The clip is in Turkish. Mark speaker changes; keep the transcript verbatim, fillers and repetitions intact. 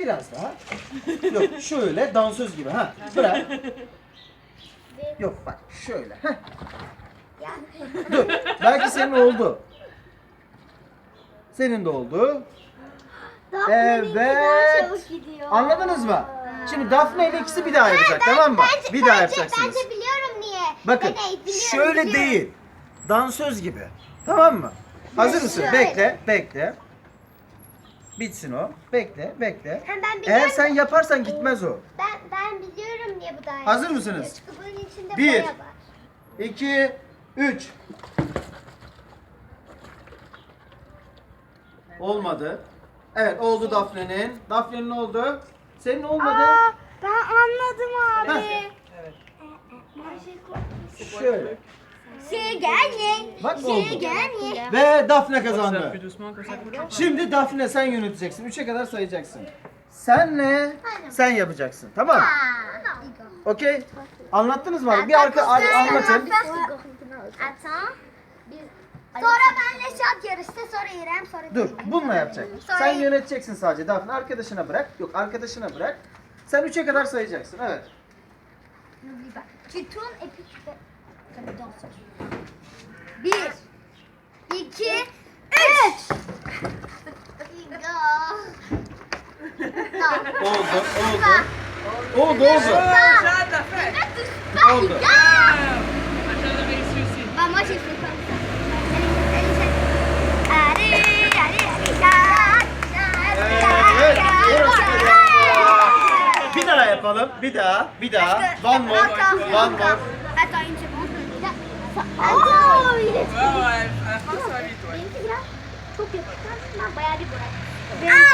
Speaker 1: Biraz daha. Yok şöyle dansöz gibi. Ha. Bırak. Yok bak şöyle. Heh. Dur. Belki senin oldu. Senin de oldu. Evet. Anladınız mı? Şimdi Daphne ile ikisi bir daha yapacak, tamam mı?
Speaker 2: Bence,
Speaker 1: Bir daha
Speaker 2: bence,
Speaker 1: yapacaksınız.
Speaker 2: Bence biliyorum niye.
Speaker 1: Bakın
Speaker 2: Ben de biliyorum,
Speaker 1: şöyle
Speaker 2: biliyorum.
Speaker 1: değil. Dansöz gibi. Tamam mı? Hazır mısın?
Speaker 2: Şöyle.
Speaker 1: Bekle, bekle. Bitsin o. Bekle, bekle.
Speaker 2: Ha, ben
Speaker 1: Eğer
Speaker 2: biliyorum.
Speaker 1: sen yaparsan gitmez o.
Speaker 2: Ben ben biliyorum niye bu daire.
Speaker 1: Hazır mısınız?
Speaker 2: Çünkü bunun içinde
Speaker 1: Bir.
Speaker 2: boya var.
Speaker 1: iki, üç. Olmadı. Evet oldu Daphne'nin. Daphne'nin oldu. Senin olmadı.
Speaker 2: Aa, ben anladım abi.
Speaker 1: Heh. Şöyle.
Speaker 2: Şey gelme.
Speaker 1: Bak
Speaker 2: Şey
Speaker 1: oldu.
Speaker 2: gelme.
Speaker 1: Ve Daphne
Speaker 3: Ça plus
Speaker 1: kazandı.
Speaker 3: doucement comme ça.
Speaker 1: Şimdi Daphne sen yöneteceksin. Üçe kadar sayacaksın. Senle sen yapacaksın. Tamam mı? Okey. Anlattınız mı? abi? Bir arka ar- anlatın.
Speaker 2: Attends. Sonra benle şat yarıştı, sonra İrem, sonra
Speaker 1: Dur.
Speaker 2: Dilek.
Speaker 1: Bununla yapacak.
Speaker 2: Sonra-
Speaker 1: Sen yöneteceksin sadece. Daphne arkadaşına bırak. Yok arkadaşına bırak. Sen üçe kadar sayacaksın. Evet.
Speaker 2: N'oublie pas. Tu tournes et puis tu fais comme une danseuse. Bir, iki, üç.
Speaker 1: Oldu. Oldu. Oldu oldu.
Speaker 3: Jade l'a fait.
Speaker 1: Oldu.
Speaker 3: Ah, Jade a réussi aussi.
Speaker 2: Bah moi j'ai fait comme ça. Allez, allez, allez, allez,
Speaker 1: Evet. Bir daha yapalım. Bir daha. Bir daha. One more. One more.
Speaker 2: Attends une seconde. Oh, il est
Speaker 3: Ouais, ouais, à la fin, ça va vite, ouais.
Speaker 2: Benimki biraz çok yapışkan. Ben bayağı bir bırak.